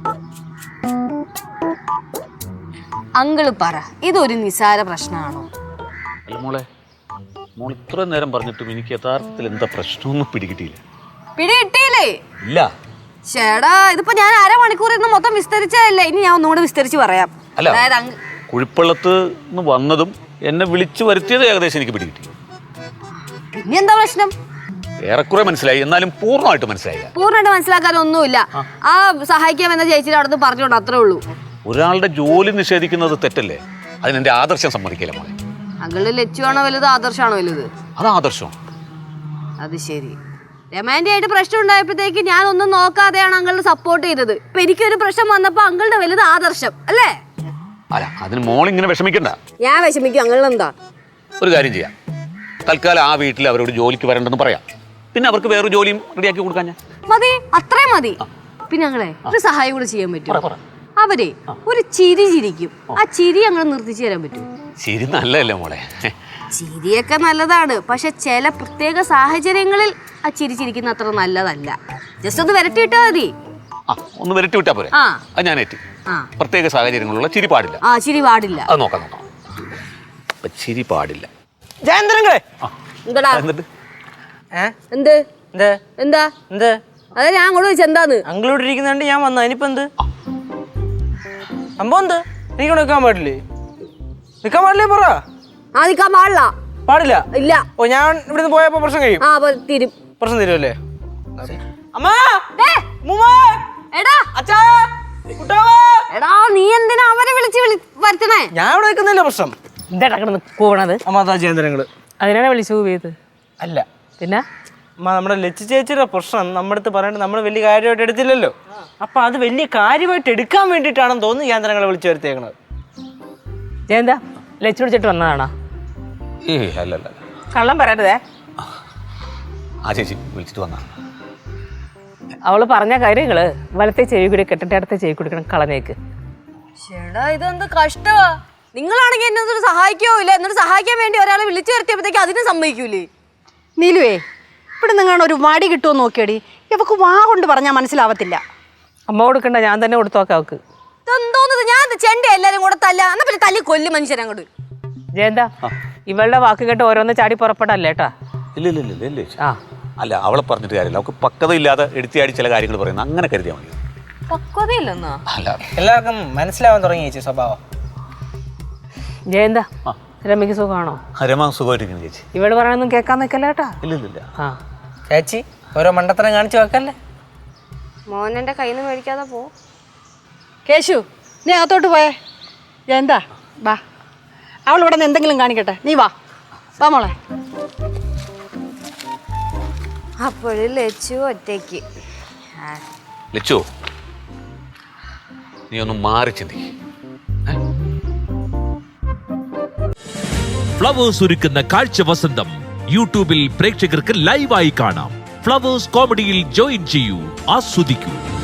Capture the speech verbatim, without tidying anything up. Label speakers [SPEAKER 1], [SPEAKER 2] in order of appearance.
[SPEAKER 1] Uncle പറ, ഇതൊരു നിസാര പ്രശ്നമാണോ?
[SPEAKER 2] അല്ല മോളെ, മോൾ ഇത്ര നേരം പറഞ്ഞിട്ടും എനിക്ക് യഥാർത്ഥത്തിൽ എന്താ പ്രശ്നമൊന്നും പിടികിട്ടിയില്ല.
[SPEAKER 1] പിടികിട്ടിയില്ലേ?
[SPEAKER 2] ഇല്ല.
[SPEAKER 1] ചേടാ, ഇതിപ്പോ ഞാൻ അരമണിക്കൂർ ഇന്ന് മൊത്തം വിസ്തരിച്ചതല്ലേ, ഇനി ഞാൻ ഒന്നുകൂടെ വിസ്തരിച്ച് പറയാം.
[SPEAKER 2] അല്ല, കുഴിപ്പള്ളത്ത് നിന്ന് വന്നതും എന്നെ വിളിച്ചു വരുത്തിയത് ഏകദേശം എനിക്ക് പിടികിട്ടി.
[SPEAKER 1] പിന്നെ എന്താ പ്രശ്നം?
[SPEAKER 2] ഏറെക്കുറെ മനസ്സിലായി, എന്നാലും പൂർണ്ണമായിട്ട് മനസ്സിലായില്ല.
[SPEAKER 1] പൂർണ്ണമായിട്ട് മനസ്സിലാക്കാനൊന്നുമില്ല. ആ സഹായിക്കാമെന്ന ചേച്ചിയുടെ അവിടെ നിന്ന് പറഞ്ഞോണ്ട് അത്രേ ഉള്ളൂ.
[SPEAKER 2] ഒരാളുടെ ജോലി നിഷേധിക്കുന്നത് തെറ്റല്ലേ? അതിനെന്റെ ആദർശം സമ്മതിക്കില്ല മോളെ.
[SPEAKER 1] അങ്കിള് ലക്ഷ്യമാണോ വലുത്, ആദർശമാണോ വലുത്?
[SPEAKER 2] അത് ആദർശം.
[SPEAKER 1] അത് ശരി. രമാൻഡി ആയിട്ട് പ്രശ്നം ഉണ്ടായപ്പോഴത്തേക്ക് ഞാൻ ഒന്നും നോക്കാതെയാണ് അങ്കിളിനെ സപ്പോർട്ട് ചെയ്തത്. ഇപ്പൊ എനിക്കൊരു പ്രശ്നം വന്നപ്പോ അങ്കിളുടെ വലുത് ആദർശം അല്ലേ?
[SPEAKER 2] അല്ല, അതിന് മോൾ ഇങ്ങനെ വിഷമിക്കണ്ട.
[SPEAKER 1] ഞാൻ വിഷമിക്കും. അങ്കിളിനെന്താ?
[SPEAKER 2] ഒരു കാര്യം ചെയ്യാം, തൽക്കാലം ആ വീട്ടിൽ അവരോട് ജോലിക്ക് വരണ്ടെന്ന് പറയാം. പിന്നെ അവർക്ക് വേറൊരു ജോലിയും റെഡിയാക്കി കൊടുക്കാൻ ഞാൻ
[SPEAKER 1] മതി. അത്രയും മതി. പിന്നെ ഞങ്ങളെ ഒരു സഹായം കൂടെ ചെയ്യാൻ പറ്റും. അവരെ ഒരു ചിരി ചിരിക്കും, ആ ചിരി ഞങ്ങൾ നിർത്തിച്ചു തരാൻ പറ്റും.
[SPEAKER 2] ചിരി നല്ലതല്ലേ മോളെ?
[SPEAKER 1] ചിരിയൊക്കെ നല്ലതാണ്, പക്ഷെ ചില പ്രത്യേക സാഹചര്യങ്ങളിൽ ആ ചിരി ചിരിക്കുന്ന അത്ര നല്ലതല്ല. ജസ്റ്റ് ഒന്ന് വരട്ടി വിട്ടാ മതി.
[SPEAKER 2] ആ, ഒന്ന് വരട്ടി വിട്ടാ പോരെ? അത് ഞാൻ ഏറ്റി. പ്രത്യേക സാഹചര്യങ്ങളുള്ള ചിരി പാടില്ല.
[SPEAKER 1] ആ, ചിരി പാടില്ല.
[SPEAKER 2] അത് നോക്കാം നോക്കാം. അപ്പൊ ചിരി പാടില്ല.
[SPEAKER 1] ജയന്തരങ്ങളെ എന്താ എന്ത് എന്താ എന്ത്? അതെ, ഞാൻ അങ്ങോട്ട് ചോദിച്ചു എന്താന്ന്.
[SPEAKER 3] അങ്കിളോട് ഇരിക്കുന്നുണ്ട്, ഞാൻ വന്നു. അതിനിപ്പോ എന്ത് സംഭവം? എന്ത് എനിക്ക് നിൽക്കാൻ പാടില്ലേ? നിൽക്കാൻ പാടില്ലേ? പറ.
[SPEAKER 1] ആ, നിൽക്കാൻ പാടില്ല.
[SPEAKER 3] പാടില്ല?
[SPEAKER 1] ഇല്ല.
[SPEAKER 3] ഓ, ഞാൻ ഇവിടുന്ന് പോയപ്പോ പ്രശ്നം കഴിയും.
[SPEAKER 1] ആ, തീരും.
[SPEAKER 3] പ്രശ്നം തീരുമല്ലേ?
[SPEAKER 1] എടാ, നീ എന്തിനാ അവരെ വിളിച്ച് വരുത്തണേ?
[SPEAKER 3] ഞാൻ ഇവിടെ നിൽക്കുന്നില്ല. പ്രശ്നം
[SPEAKER 4] എന്താ കിടന്ന് കൂവണത്?
[SPEAKER 3] അമ്മ അതാ ജയന്തരങ്ങള്.
[SPEAKER 4] അതിനാണ് വിളിച്ചു പോയത്?
[SPEAKER 3] അല്ല,
[SPEAKER 4] പിന്നെ
[SPEAKER 3] അമ്മ നമ്മുടെ ലച്ചു ചേച്ചിയുടെ പ്രശ്നം നമ്മുടെ അടുത്ത് പറയേണ്ടത് നമ്മൾ വലിയ കാര്യമായിട്ട് എടുത്തില്ലല്ലോ. അപ്പൊ അത് വലിയ കാര്യമായിട്ട് എടുക്കാൻ വേണ്ടിയിട്ടാണെന്ന് തോന്നുന്നു ജയന്തരങ്ങളെ വിളിച്ചു വരുത്തിയേക്കണത്.
[SPEAKER 4] ജയന്താ ലച്ചു വിളിച്ചിട്ട് വന്നതാണോ?
[SPEAKER 2] ഏയ് അല്ല അല്ല,
[SPEAKER 4] കള്ളം പറയരുതേ.
[SPEAKER 2] ആ ചേച്ചി വിളിച്ചിട്ട് വന്നാ.
[SPEAKER 4] അവള് പറഞ്ഞ കാര്യങ്ങള് വലത്തെ ചെവി കൂടി കെട്ടിട്ട് അടുത്ത ചെവി കൊടുക്കണം, കളഞ്ഞേക്ക്.
[SPEAKER 1] ചേടാ, ഇതെന്ത് കഷ്ടമാ. നിങ്ങളാണെങ്കിൽ എന്നെ ഒന്നും സഹായിക്കോ ഇല്ല, എന്നിട്ട് സഹായിക്കാൻ വേണ്ടി ഒരാളെ വിളിച്ചു വരുത്തിയപ്പോഴത്തേക്ക് അതിനും സമ്മതിക്കൂലേ?
[SPEAKER 5] നീലുവേ, ഇവിടെ നിങ്ങാണ് ഒരു മടി കിട്ടുമോ നോക്കിയടി. ഇവക്ക് വാ കൊണ്ട് പറഞ്ഞാൽ മനസ്സിലാവത്തില്ല.
[SPEAKER 4] അമ്മ കൊടുക്കണ്ട, ഞാൻ തന്നെ കൊടുത്തോക്കാം അവക്ക്.
[SPEAKER 1] എന്തോന്നത്? ഞാൻ ചെണ്ട എല്ലാരും കൂടെ തല്ല, എന്നാ പിന്നെ തല്ലി കൊല്ലും മനുഷ്യരങ്ങോട്ട്.
[SPEAKER 4] ജയന്താ, ഇവളുടെ വാക്ക് കേട്ട് ഓരോന്ന് ചാടി പുറപ്പെടല്ലേ കേട്ടാ.
[SPEAKER 2] ഇല്ല ഇല്ല ഇല്ല ഇല്ല. ആ അല്ല, അവളെ പറഞ്ഞിട്ട് കാര്യമില്ല. അവൾക്ക് പക്വതയില്ലാതെ എടുത്തിയാടി ചില കാര്യങ്ങൾ പറയുന്നത്, അങ്ങനെ കരുതിയാൽ മതി.
[SPEAKER 1] പക്വതയില്ലെന്നാ?
[SPEAKER 2] അല്ല,
[SPEAKER 3] എല്ലാവർക്കും മനസ്സിലാവാൻ തുടങ്ങി ചേച്ചി സ്വഭാവം.
[SPEAKER 4] ജയന്താ, രമയ്ക്ക് സുഖമാണോ?
[SPEAKER 2] രമ സുഖമായിട്ടിരിക്കുന്നു ചേച്ചി.
[SPEAKER 4] ഇവള് പറയണൊന്നും കേൾക്കാൻ നിൽക്കല്ല കേട്ടാ.
[SPEAKER 2] ഇല്ല ഇല്ല.
[SPEAKER 4] ആ
[SPEAKER 3] ചേച്ചി ഓരോ മണ്ടത്തരം കാണിച്ചു വെക്കല്ലേ.
[SPEAKER 1] മോനെന്റെ കയ്യിൽ നിന്ന് മേടിക്കാതെ പോ.
[SPEAKER 5] കേശു, നീ അകത്തോട്ട് പോയേ. എന്താ വാ, അവൾ ഇവിടെ നിന്ന് എന്തെങ്കിലും കാണിക്കട്ടെ. നീ വാ വാ മോളെ.
[SPEAKER 1] അപ്പോഴും ലച്ചു ഒറ്റയ്ക്ക്.
[SPEAKER 2] ലച്ചു, നീ ഒന്ന് മാറി ചിന്തി.
[SPEAKER 6] ഫ്ലവേഴ്സ് ഒരുക്കുന്ന കാഴ്ച വസന്തം യൂട്യൂബിൽ പ്രേക്ഷകർക്ക് ലൈവായി കാണാം. ഫ്ലവേഴ്സ് കോമഡിയിൽ ജോയിൻ ചെയ്യൂ, ആസ്വദിക്കൂ.